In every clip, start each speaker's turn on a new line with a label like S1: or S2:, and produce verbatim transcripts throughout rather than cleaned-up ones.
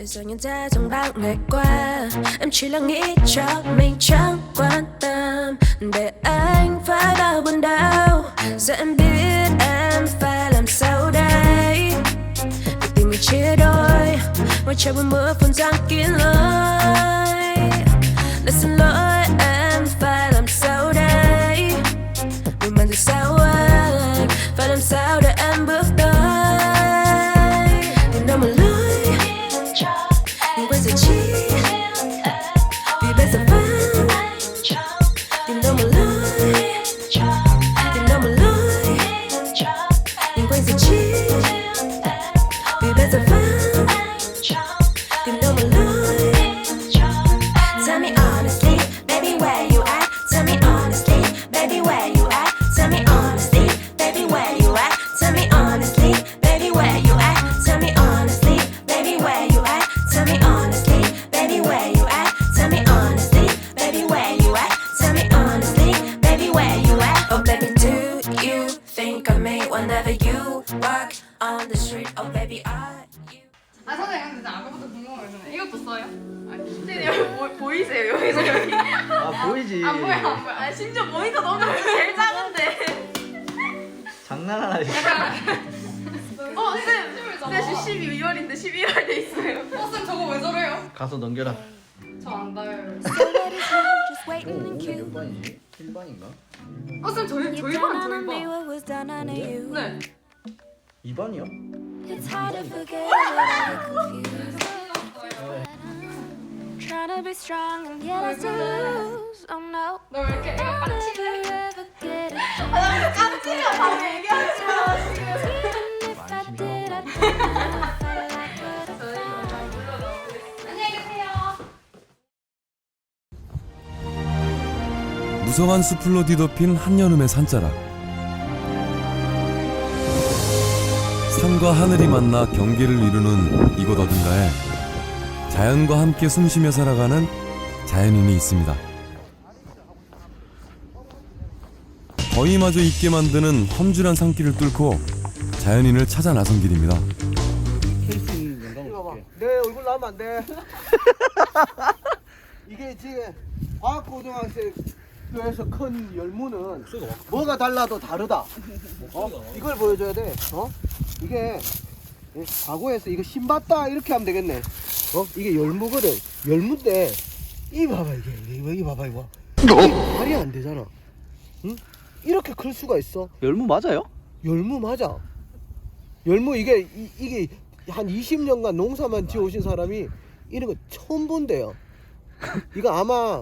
S1: 세상에 다정방울과 em chỉ là nghĩ cho mình chẳng quan tâm để anh phải bao buồn đau giờ em biết em phải làm sao đây vì tình mình chia đôi ngoài trời buồn mưa phun giăng kín lối để xin lỗi em phải làm sao đây vì mình thì sao anh phải làm sao để em bước tới tìm đâu mà lối nhưng quên rồi chi vì bây giờ vẫn tìm đâu mà lối tìm đâu mà lối nhưng quên rồi chi vì bây giờ vẫn tìm đâu mà lối. Tell me honestly, baby, where you at? Tell me honestly, baby, where you at? Tell me honestly, baby, where you at? Tell me honestly, baby, where you at? Tell me honestly, baby, where you at? Tell me honestly, baby, where you at? Tell me honestly, baby, where you at? Tell me honestly, baby, where you at? Oh baby, do you think of me whenever you walk on the street? Oh baby, are you?
S2: 아 선생님 근데 아까부터 궁금한 거 있잖아요. 이것도 써요? 아니 선생님 여기 보, 보이세요? 여기서 여기
S3: 아 보이지.
S2: 안 보여 안 보여. 아 심지어 모니터 너무 제일 작은데.
S3: 장난하나 지금.
S2: 어 쌤! 네 지금 십이월인데 십이월 돼 있어요. 어 쌤 저거 왜 저래요?
S3: 가서 넘겨라.
S2: 저 안 닿아요.
S1: Just
S3: 오,
S1: waiting in
S3: 오늘
S1: queue.
S3: 몇 반이지? 일 반인가?
S2: 어 쌤 저희
S1: You
S2: 저희
S1: done
S2: 반
S1: on
S2: 저희
S1: me
S2: 반.
S1: what was done on you.
S2: 네.
S3: 이 반이요?
S1: It's hard to forget what I get confused. Trying to be strong and yet I still lose. Oh no.
S2: 너 왜 이렇게 애가 깜찍해?
S1: Never ever get it.
S2: 아 깜찍해 바로 얘기하지 마 지금.
S1: Even if I did, I don't know if I like what I found.
S2: 안녕히 계세요.
S4: 무성한 수풀로 뒤덮인 한여름의 산자락. 산과 하늘이 만나 경계를 이루는 이곳 어딘가에 자연과 함께 숨쉬며 살아가는 자연인이 있습니다. 더위마저 잊게 만드는 험준한 산길을 뚫고 자연인을 찾아 나선 길입니다.
S5: 내 얼굴 나오면 안 돼. 이게 지금 과학고등학교에서 큰 열무는 뭐가 달라도 다르다. 어? 이걸 보여줘야 돼. 어? 이게 과거에서 이거 신봤다 이렇게 하면 되겠네. 어? 이게 열무거든. 열무인데 이 봐봐 이게 이거 이 봐봐 이거. 이게 말이 안 되잖아. 응? 이렇게 클 수가 있어.
S3: 열무 맞아요?
S5: 열무 맞아. 열무 이게 이, 이게 한 이십 년간 농사만 지어오신 사람이 이런 거 처음 본대요. 이거 아마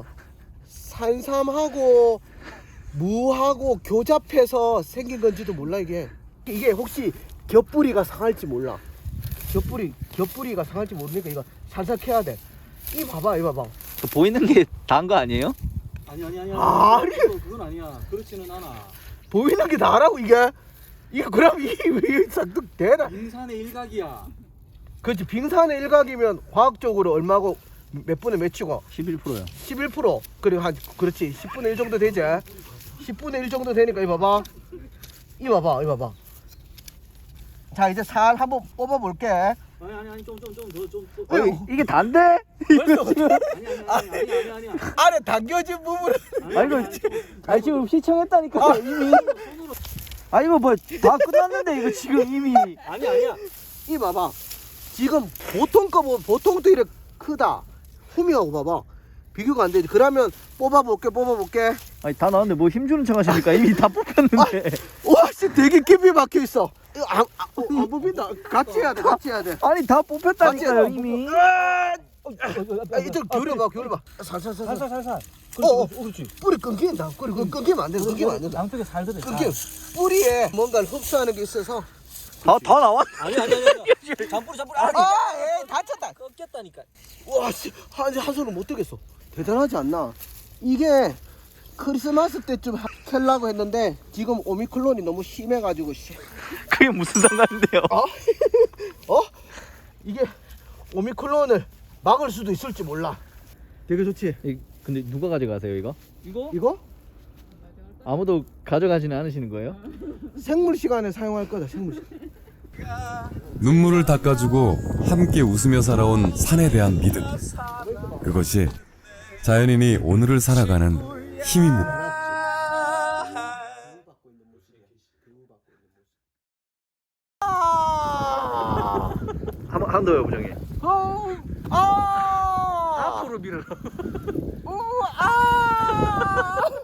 S5: 산삼하고 무하고 교잡해서 생긴 건지도 몰라 이게. 이게 혹시 겹뿌리가 상할지 몰라. 겹뿌리 겹뿌리가 상할지 모르니까 이거 살살 캐야 돼. 이 봐봐 이 봐봐.
S3: 저 보이는 게 다인 거 아니에요?
S6: 아니 아니 아니
S5: 아니.
S6: 그건, 그건 아니야. 그렇지는 않아.
S5: 보이는 게 나라고 이게. 이거 그럼 이왜 잔뜩 되나?
S6: 빙산의 일각이야.
S5: 그렇지. 빙산의 일각이면 과학적으로 얼마고 몇 분의 몇이고
S3: 십일 퍼센트요.
S5: 십일 퍼센트 그리고 한 그렇지 십분의 일 정도 되지. 십분의 일 정도 되니까 이 봐봐 이 봐봐 이 봐봐. 자 이제 살 한번 뽑아 볼게.
S6: 아니 아니 아니 좀 좀 좀 더 좀.
S5: 어,
S3: 이게 단데?
S6: 아니 아니 아니 아니 아니 아니 아니.
S5: 안에 당겨진 부분은
S6: 아니 이거
S3: 아니 지금 시청했다니까
S5: 아.
S3: 이미. 아 이거 뭐 다 끝났는데 이거 지금 이미.
S6: 아니 아니야.
S5: 이 봐봐 지금 보통 거 보면 보통도 이렇게 크다. 후미하고 봐봐 비교가 안 되지. 그러면 뽑아 볼게 뽑아 볼게.
S3: 아니 다 나왔는데 뭐 힘주는 척 하십니까? 이미 다 뽑혔는데.
S5: 와씨 되게 깊이 막혀 있어. 이거 안, 안, 안 뽑힌다. 같이 해야 돼 같이 해야 돼.
S3: 아니 다 뽑혔다니까요
S5: 같이
S3: 이미.
S5: 아, 이쪽 기울여봐 기울여봐. 살살살살.
S6: 살살 살살.
S5: 어, 어, 그렇지. 뿌리 끊긴다. 뿌리 끊- 끊기면 안 돼. 끊기면 안 된다.
S6: 양쪽에 살 들어.
S5: 끊기. 뿌리에 뭔가를 흡수하는 게 있어서.
S3: 다 다 나왔.
S6: 아니 아니 아니. 아니. 잠뿌리 잠뿌리. 아니.
S5: 아, 에이, 다쳤다.
S6: 꺾였다니까.
S5: 와, 씨, 한, 한 손을 못 뜨겠어. 대단하지 않나? 이게 크리스마스 때쯤 하- 캘라고 했는데 지금 오미크론이 너무 심해가지고 씨.
S3: 그게 무슨 상관인데요?
S5: 어? 어? 이게 오미크론을 막을 수도 있을지 몰라. 되게 좋지?
S3: 이- 근데 누가 가져가세요 이거?
S6: 이거?
S5: 이거
S3: 아무도 가져가지는 않으시는 거예요?
S5: 생물 시간에 사용할 거다. 생물 시간.
S4: 눈물을 닦아주고 함께 웃으며 살아온 산에 대한 믿음. 그것이 자연인이 오늘을 살아가는 힘입니다.
S3: 한번 한번 더요 부장님.
S5: 아!
S3: 앞으로 밀어.
S5: 우! 아!